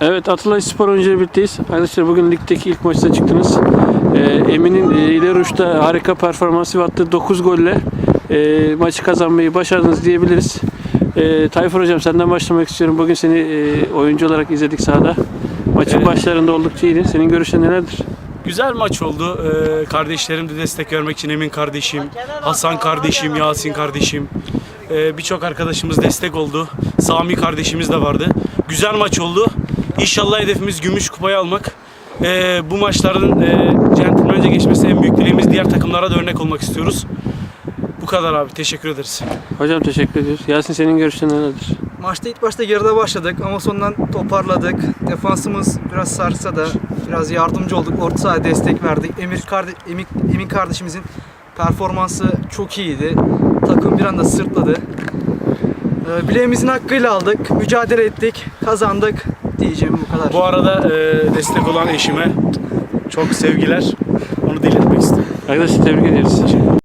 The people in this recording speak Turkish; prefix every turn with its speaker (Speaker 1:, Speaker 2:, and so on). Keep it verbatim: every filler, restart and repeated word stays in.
Speaker 1: Evet, Atılay Spor oyuncuları birlikteyiz. Arkadaşlar bugün ligdeki ilk maçta çıktınız. Ee, Emin'in e, ileri uçta harika performansı ve attığı dokuz golle e, maçı kazanmayı başardınız diyebiliriz. E, Tayfur Hocam, senden başlamak istiyorum. Bugün seni e, oyuncu olarak izledik sahada. Maçın
Speaker 2: Evet.
Speaker 1: başlarında oldukça iyiydin. Senin görüşlerin nelerdir?
Speaker 2: Güzel maç oldu. Ee, kardeşlerim de destek vermek için Emin kardeşim, Hasan kardeşim, Yasin kardeşim, ee, birçok arkadaşımız destek oldu. Sami kardeşimiz de vardı. Güzel maç oldu. İnşallah hedefimiz gümüş kupayı almak. Ee, bu maçların e, centilmence geçmesi en büyük dileğimiz. Diğer takımlara da örnek olmak istiyoruz. Bu kadar abi. Teşekkür ederiz.
Speaker 1: Hocam teşekkür ediyoruz. Yasin, senin görüşlerin nelerdir?
Speaker 3: Maçta ilk başta geride başladık ama sonradan toparladık. Defansımız biraz sarsa da biraz yardımcı olduk. Orta sahaya destek verdik. Emir karde Emin, Emin kardeşimizin performansı çok iyiydi. Takım bir anda sırtladı. Ee, bileğimizin hakkıyla aldık. Mücadele ettik. Kazandık diyeceğim bu kadar.
Speaker 2: Bu arada e, destek olan eşime çok sevgiler. Onu da iletmek istedim.
Speaker 1: Arkadaşlar tebrik ediyoruz.